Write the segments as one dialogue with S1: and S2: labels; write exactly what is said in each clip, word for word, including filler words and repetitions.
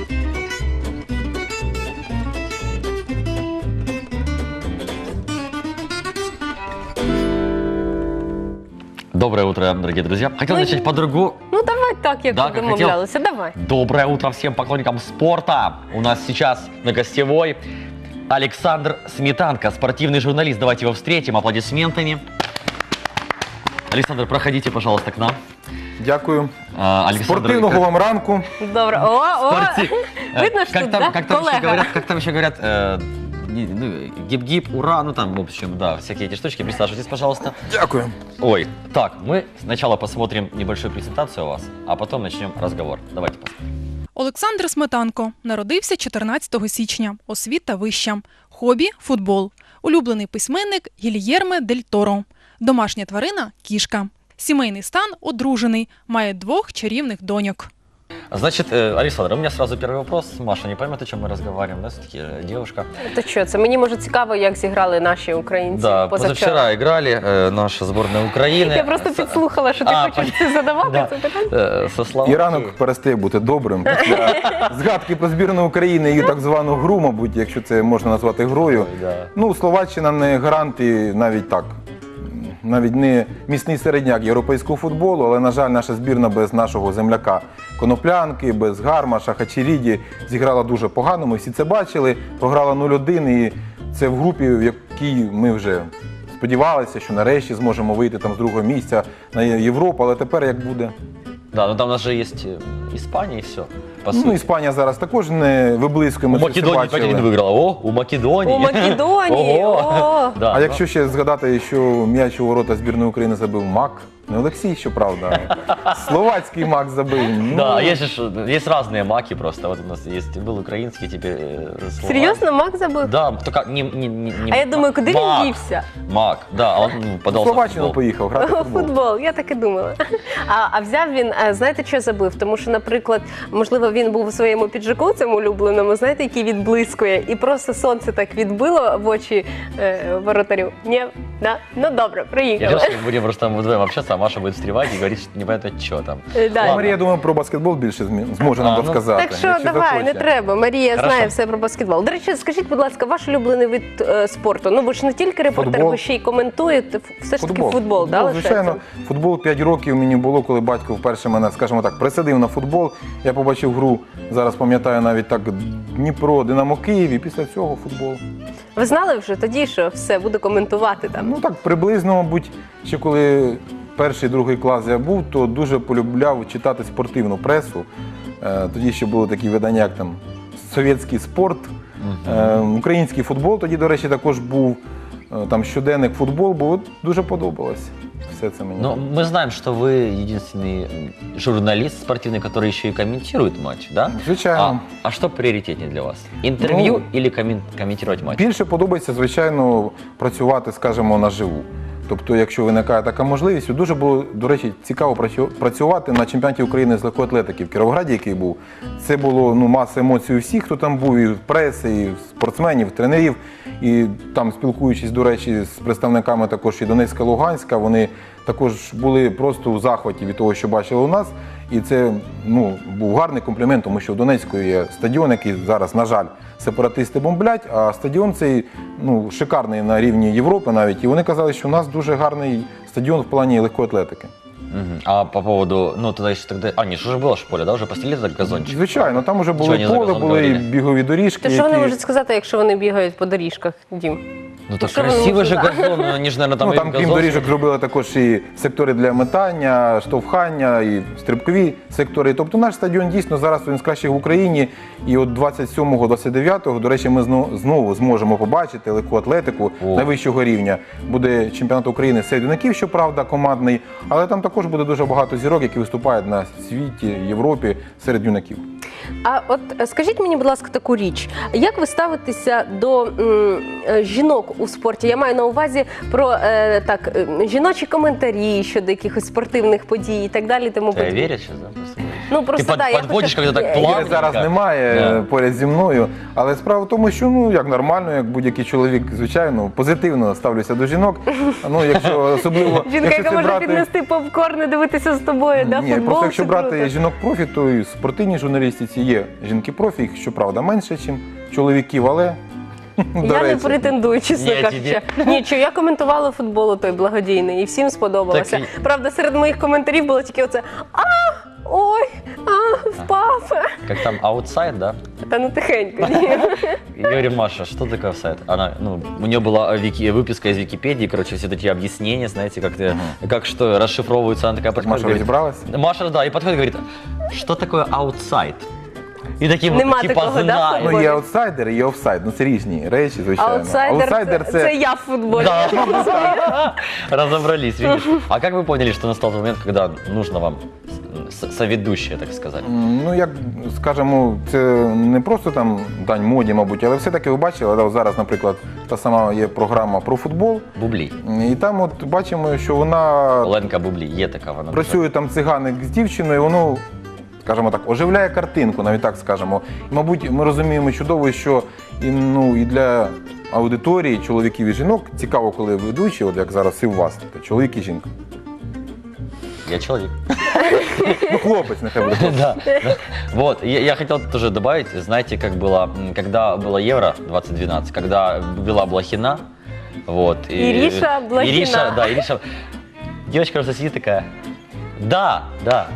S1: Доброе утро, дорогие друзья. Хотел
S2: Ну,
S1: начать по-другому.
S2: Ну давай так, як
S1: Да,
S2: ми
S1: как
S2: домовлялися, давай.
S1: Доброе утро всем поклонникам спорта. У нас сейчас на гостевой Александр Сметанко, спортивный журналист. Давайте его встретим аплодисментами. Александр, проходите, пожалуйста, к нам.
S3: Дякую.
S1: А, Александр,
S3: Спортивного
S1: как-
S3: вам ранку.
S2: Добре. О, о,
S1: Спорти- Э,
S2: видно, що
S1: как
S2: тут,
S1: там,
S2: да,
S1: как там еще
S2: колега.
S1: говорят, как там еще говорят, э, не- ну, гип-гип, ура, ну там, в общем, да, всякие эти штучки. Присаживайтесь, пожалуйста.
S3: Дякую.
S1: Ой, так, мы сначала посмотрим небольшую презентацию у вас, а потом начнем разговор. Давайте посмотрим.
S4: Олександр Сметанко народився чотирнадцятого січня. Освіта вища. Хобі – футбол. Улюблений письменник – Гільєрме дель Торо. Домашня тварина – кішка. Сімейний стан – одружений. Має двох чарівних доньок.
S1: Значит, э, Александр, у меня сразу первый вопрос. Маша не поймет, о чем мы разговариваем, да, все-таки э, девушка.
S2: То що, це мені може цікаво, як зіграли наші українці
S1: Да,
S2: позавчора.
S1: позавчера играли э, наша сборная Украины.
S2: Я просто
S1: С-
S2: підслухала, що ти
S1: А,
S2: хочеш
S1: пон-
S2: це задавати,
S1: Да.
S2: це питання.
S1: э, Со
S3: І
S1: Словакией.
S3: ранок перестає бути добрим. Після згадки про збірну України і так звану гру, мабуть, якщо це можна назвати грою.
S1: Ой, да.
S3: Ну, Словаччина не гарант і навіть так. Навіть не міцний середняк європейського футболу, але, на жаль, наша збірна без нашого земляка Коноплянки, без Гармаша, Хачеріді зіграла дуже погано. Ми всі це бачили. Програла нуль один, і це в групі, в якій ми вже сподівалися, що нарешті зможемо вийти там з другого місця на Європу, але тепер як буде?
S1: Да, ну там у нас же есть э, Испания и все, по
S3: Ну,
S1: сути.
S3: Іспанія зараз також не виблискує,
S1: У
S3: ми це все
S1: Македонии
S3: бачили.
S1: пять один выиграла. О, у Македонии.
S2: У Македонії,
S1: Ого.
S2: о.
S1: Да,
S3: А
S1: ну,
S3: якщо ще згадати, що м'яч у ворота збірної України забив Мак, не Олексій, щоправда, а словацький Мак забив. Ну,
S1: Да, есть же ж- есть разные маки просто. Вот у нас есть был украинский, теперь э, словак.
S2: Серйозно, Мак забив?
S1: Да, только не, не, не, не
S2: А я думаю, куди
S1: Мак,
S2: він дівся?
S1: Мак, да, он ну,
S3: в
S1: подался в
S3: Словаччину
S1: футбол.
S3: поїхав грати в
S2: О,
S3: футбол.
S2: футбол, я так і думала. А, а взяв він, а, знаєте, що забив? Тому що, наприклад, можливо, він був у своєму піджаку, цьому улюбленому, знаєте, який відблискує, і просто сонце так відбило в очі е, воротарю. Ні? Да? Ну добре,
S1: Я
S2: приїхали.
S1: решил, что мы будем просто там вдвоем общаться, а Маша будет встревать и говорить, что непонятно что там.
S2: Е, да.
S1: Ладно.
S3: Марія, я думаю, про баскетбол більше змі- зможе нам
S1: А, ну,
S3: розказати.
S2: Так що
S3: якщо
S2: давай,
S3: захоче.
S2: не треба. Марія
S1: Хорошо.
S2: знає все про баскетбол. До речі, скажіть, будь ласка, ваш улюблений вид е, спорту? Ну ви ж не тільки репортер,
S3: Футбол.
S2: ви ще й коментуєте. Все ж таки футбол, да,
S3: Ну,
S2: лишається?
S3: звичайно, футбол п'ять років мені було, коли батько вперше мене, скажімо так, присадив на футбол. Я побачив гру, зараз пам'ятаю навіть так, Дніпро, Динамо Київ, і після цього футбол.
S2: Ви знали вже тоді, що все, буду коментувати там?
S3: Ну так приблизно, мабуть, ще коли перший, другий клас я був, то дуже полюбляв читати спортивну пресу. Е, Тоді ще були такі видання, як там «Совєтський спорт», е, український футбол тоді, до речі, також був, е, там щоденник футбол, бо от дуже подобалось все це мені.
S1: Но мы знаем, что вы единственный м, журналист спортивный, который еще и комментирует матч, да?
S3: Звичайно.
S1: А, а что приоритетнее для вас? Интервью
S3: Ну,
S1: или коммен- комментировать матч?
S3: Більше подобається, звичайно, працювати, скажімо, наживу. Тобто, якщо виникає така можливість, дуже було, до речі, цікаво працю- працювати на чемпіонаті України з легкоатлетики в Кіровограді, який був. Це було ну, маса емоцій у всіх, хто там був, і в преси, і в спортсменів, тренерів. І там, спілкуючись, до речі, з представниками також і Донецька, Луганська, вони також були просто у захваті від того, що бачили у нас. І це ну, був гарний комплімент, тому що в Донецьку є стадіон, який зараз, на жаль, сепаратисти бомблять, а стадіон цей ну, шикарний на рівні Європи навіть. І вони казали, що у нас дуже гарний стадіон в плані легкої атлетики.
S1: Мгм. А по поводу, ну тогда еще тогда, а не, что уже было ж поле, да, уже постелили так газончик?
S3: Звичайно, там вже
S1: Чого
S3: було
S1: вони за
S3: поле,
S1: газон
S3: були і
S1: говорили?
S3: бігові доріжки.
S2: То що вони
S3: які-
S2: можуть сказати, якщо вони бігають по доріжках, Дім?
S1: Ну так
S2: Что вы
S1: красивый
S2: можете,
S1: же
S2: да?
S1: газон, ну, они же, наверное, там
S3: Ну,
S1: и
S3: там, крім
S1: газон-
S3: доріжок, зробили також і сектори для метання, штовхання, і стрибкові сектори. Тобто наш стадіон дійсно зараз один з кращих в Україні. І от двадцять сьомого - двадцять дев'ятого, до речі, ми знову, знову зможемо побачити легку атлетику
S1: О.
S3: найвищого рівня. Буде чемпіонат України серед юнаків, щоправда, командний, але там також буде дуже багато зірок, які виступають на світі, Європі серед юнаків.
S2: А от е, скажіть мені, будь ласка, таку річ. Як ви ставитеся до м, е, жінок у спорті? Я маю на увазі про е, так, е, жіночі коментарі щодо якихось спортивних подій і так далі. Тому
S1: Тебя
S2: подібне.
S1: верят сейчас, да? просто говоришь?
S2: Ну
S1: Ти
S2: просто
S1: под-
S2: да, я
S1: подводиш,
S2: хочу-
S1: коли так
S2: я-
S1: плавно.
S3: Іри зараз
S1: Так.
S3: немає
S1: Да.
S3: е, поряд зі мною, але справа в тому, що ну як нормально, як будь-який чоловік, звичайно, позитивно ставлюся до жінок. Ну якщо особливо
S2: Жінка,
S3: якщо
S2: яка
S3: це
S2: може
S3: брати...
S2: піднести попкорн і дивитися з тобою, да,
S3: Ні,
S2: футбол,
S3: просто якщо
S2: це
S3: брати
S2: круто.
S3: жінок профі, то і в спортивній журналістиці є жінки профі, їх щоправда менше, ніж чоловіків, але до
S2: Я не
S3: речі.
S2: претендую, чесно
S1: Ні,
S2: кажучи. Ні, я коментувала футбол той благодійний, і всім сподобалося.
S1: Так
S2: Правда, серед моїх коментарів було тільки оце «А, ой, а, впав».
S1: Как там, аутсайд, да?
S2: Та ну тихенько. Ні.
S1: И говорим, Маша, что такое офсайд? Она, ну, у нее была вики, выписка из Википедии, короче, все такие объяснения, знаете, как, ты, как что расшифровываются. Она такая подходит,
S3: Маша
S1: говорит,
S3: розібралась?
S1: Маша, да, и подходит, говорит, что такое аутсайд? И таким
S2: Нема
S1: вот, типа,
S2: такого, да,
S1: знаю.
S3: Ну,
S2: Боже.
S3: є аутсайдер і є офсайд. Ну, це різні речі, звичайно.
S2: Аутсайдер, це, це я в футболі.
S1: Да. Разобрались, видишь. А как вы поняли, что настал тот момент, когда нужно вам с- соведущая, так сказать?
S3: М, Ну, як скажемо, це не просто там дань моді, мабуть, але все-таки ви бачили, да, зараз, наприклад, та сама є програма про футбол,
S1: Бублі.
S3: і там от бачимо, що вона
S1: Оленка Бублі, є така вона.
S3: працює там циганик з дівчиною, воно, скажімо так, оживляє картинку, навіть так скажемо. І, мабуть, ми розуміємо чудово, що і, ну, і для аудиторії, чоловіків і жінок цікаво, коли ведучі, от як зараз і у вас, тобто чоловік і жінка.
S1: Я человек.
S3: Ну, хлопець, нехай буде.
S1: Да, да. Вот, я, я хотел тоже добавить, знаете, как было, м, когда было Евро двадцать двенадцать, когда была Блохина, вот. и-
S2: Ириша Блохина.
S1: Ириша, да, Ириша. Девочка просто сидит такая, да, да.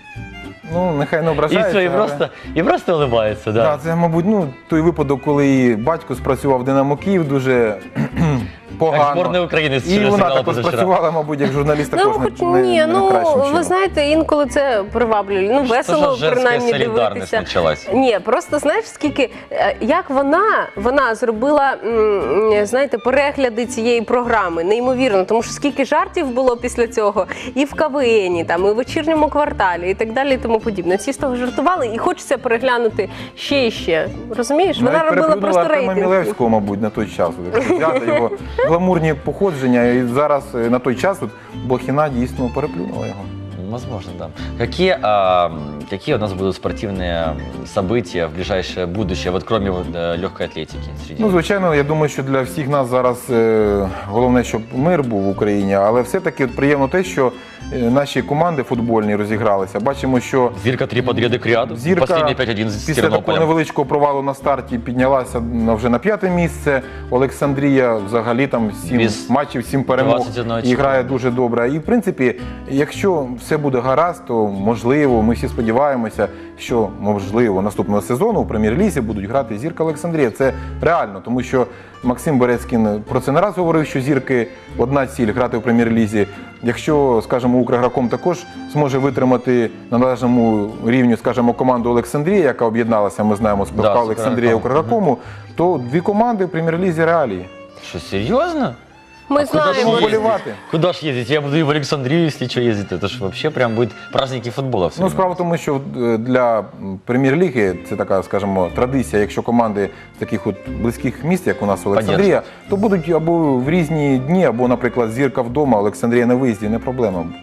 S3: Ну, нехай не
S1: И
S3: ображається.
S1: все, и
S3: але-
S1: просто, и просто улыбается,
S3: Да,
S1: да.
S3: це, мабуть, ну, той випадок, коли і батько спрацював в Динамо Київ дуже
S1: Как
S3: погано.
S1: сборная Украины
S3: І
S1: вчера
S3: вона
S1: сыграла
S3: також
S1: позавчера.
S3: спрацювала, мабуть, як журналіст
S2: Ну,
S3: також
S2: хоч
S3: не, не,
S2: ні,
S3: не
S2: ну
S3: найкращим чином.
S2: ви знаєте, інколи це приваблює. Ну,
S1: Что
S2: весело
S1: за женская
S2: принаймні
S1: солидарность
S2: дивитися.
S1: началась?
S2: Ні, просто знаєш, скільки е, як вона, вона зробила, м, знаєте, перегляди цієї програми, неймовірно, тому що скільки жартів було після цього, і в КВНі, там, і в вечірньому кварталі, і так далі, і тому подібне. Всі з того жартували, і хочеться переглянути ще і ще. Розумієш? Вона
S3: Навіть
S2: робила
S3: переплюнула
S2: просто
S3: Артема
S2: рейтинг.
S3: Мілевського, мабуть, на той час. От, якщо взяти його гламурні походження, і зараз е, на той час от, Блохіна дійсно переплюнула його.
S1: Возможно, да. Какие, а, какие у нас будут спортивные события в ближайшее будущее, вот кроме вот, э, легкой атлетики? Среди...
S3: Ну, звичайно, я думаю, що для всіх нас зараз е, головне, щоб мир був в Україні, але все-таки от приємно те, що е, наші команди футбольні розігралися. Бачимо, що
S1: Зирка три подряда к ряду.
S3: Зірка
S1: Последний пять один с
S3: після такого
S1: Тернополем.
S3: невеличкого провалу на старті піднялася на- вже на п'яте місце. Олександрія взагалі там сім
S1: Без
S3: матчів, сім перемог
S1: двадцять одного
S3: і грає
S1: очка.
S3: дуже добре. І в принципі, якщо все буде гаразд, то можливо, ми всі сподіваємося, що можливо наступного сезону у прем'єр-лізі будуть грати Зірка Олександрія. Це реально, тому що Максим Берецькін про це не раз говорив, що Зірки одна ціль грати у прем'єр-лізі. Якщо, скажімо, Укрграком також зможе витримати на належному рівні, скажімо, команду Олександрія, яка об'єдналася, ми знаємо, з
S1: Да,
S3: ПФК
S1: з
S3: Олександрія і
S1: Укрграком.
S3: Укргракому, то дві команди в прем'єр-лізі реалії.
S1: Что, серьезно?
S2: Ми
S1: А куда ж
S2: знаємо.
S3: Тому
S1: ездить?
S3: болівати.
S1: Куда ж ездить? Я буду и в Александрию, если что, ездить. Это ж вообще прям будет праздники футбола. все
S3: Ну,
S1: время.
S3: справа в тому, що е, для прем'єр-ліги це така, скажімо, традиція. Якщо команди з таких от близьких міст, як у нас Олександрія, то будуть або в різні дні, або, наприклад, Зірка вдома, Олександрія на виїзді, не проблема буде.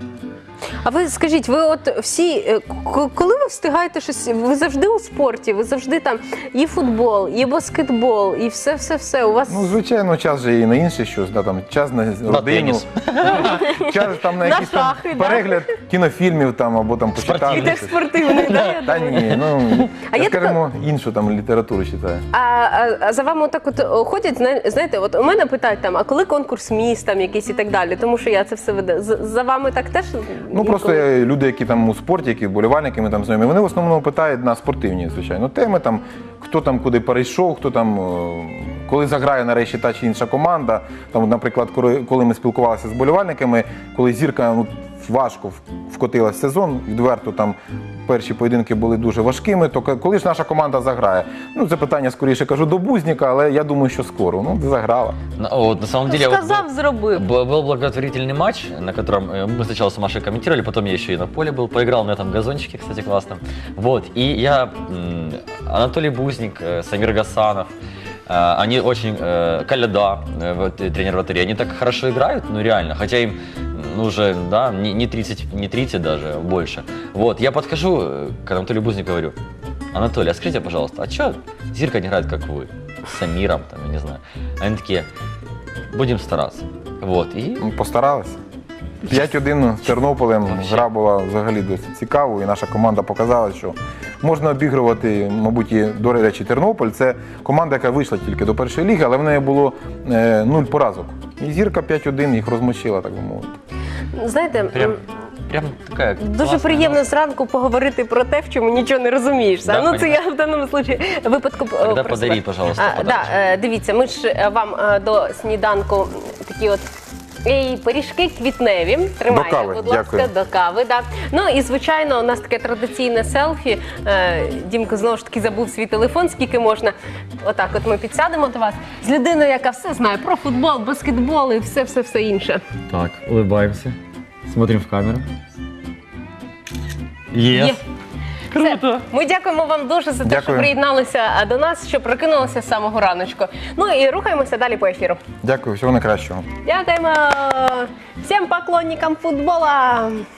S2: А ви скажіть, ви от всі, е, к- коли ви встигаєте щось, ви завжди у спорті, ви завжди там і футбол, і баскетбол, і все-все-все. У вас
S3: Ну, звичайно, час же і на інше щось, да, там, час на родину,
S1: теніс.
S3: час там на
S2: На
S3: якийсь там
S2: шахи, да.
S3: перегляд кінофільмів там, або там почитати.
S1: Спортивних.
S2: і так спортивний, да, я
S3: Та
S2: думаю?
S3: ні, ну,
S2: А
S3: я,
S2: є
S3: скажімо, іншу там літературу читаю.
S2: А, а, а за вами отак от о, ходять, зна- знаєте, от у мене питають там, а коли конкурс міст там якийсь і так далі, тому що я це все веду. З- За вами так теж?
S3: Ну, просто
S2: інколи?
S3: е, люди, які там у спорті, які вболівальники, ми там знайомі, вони в основному питають на спортивні, звичайно, теми, там, хто там куди перейшов, хто там, е, коли заграє нарешті та чи інша команда. Там, наприклад, коли, коли ми спілкувалися з вболівальниками, коли Зірка ну, важко в- вкотилась в сезон, відверто там перші поєдинки були дуже важкими, то к- коли ж наша команда заграє? Ну, це питання скоріше кажу до Бузніка, але я думаю, що скоро. Ну, заграла.
S1: Ну, вот, на самом деле, вот
S2: Сказав, зробив.
S1: был, был благотворительный матч, на котором э, мы сначала с Машей комментировали, потом я еще и на поле был, поиграл на этом газончике, кстати, классно. Вот, и я, м, Анатолий Бузник, э, Самир Гасанов, э, они очень, э, Коляда, э, вот, э, тренер вратарей, они так хорошо играют, ну реально, хотя им ну, уже, да, не, не тридцать, не тридцать даже, а больше. Вот, я подхожу э, к Анатолию Бузнику и говорю: Анатолий, а скажите, пожалуйста, а что Зирка не играет, как вы? С Самиром, там, я не знаю. Они такие: будем стараться. Вот, и
S3: Ну, постаралися. п'ять один з Тернополем.
S1: Вообще.
S3: Гра була взагалі досить цікавою, і наша команда показала, що можна обігрувати, мабуть, і, до речі, Тернополь. Це команда, яка вийшла тільки до першої ліги, але в неї було е, нуль поразок. І Зірка п'ять один їх розмочила, так би мовити.
S2: Знаєте,
S1: прям,
S2: м,
S1: прям такая
S2: дуже
S1: классная
S2: приємно зранку поговорити про те, в чому нічого не розумієш.
S1: Да,
S2: ну, це
S1: понятно.
S2: я в даному случаї випадку е,
S1: Тогда
S2: про
S1: подари,
S2: себе.
S1: пожалуйста,
S2: А, да,
S1: подарочек.
S2: е, дивіться, ми ж е, вам е, до сніданку такі от ей, пиріжки квітневі. Тримайте,
S3: До кави,
S2: будь ласка,
S3: дякую.
S2: до кави. Да. Ну і звичайно, у нас таке традиційне селфі. Е, Дімко знову ж таки забув свій телефон, скільки можна. Отак, от ми підсядемо до вас з людиною, яка все знає про футбол, баскетбол і все, все, все інше.
S1: Так, улыбаемся. Смотрим в камеру.
S2: Є.
S1: Yes.
S2: Все. Ми дякуємо вам дуже за те, що
S3: Дякую.
S2: приєдналися до нас, що прокинулися з самого раночку. Ну і рухаємося далі по ефіру.
S3: Дякую, всього найкращого.
S2: Дякуємо всім поклонникам футбола.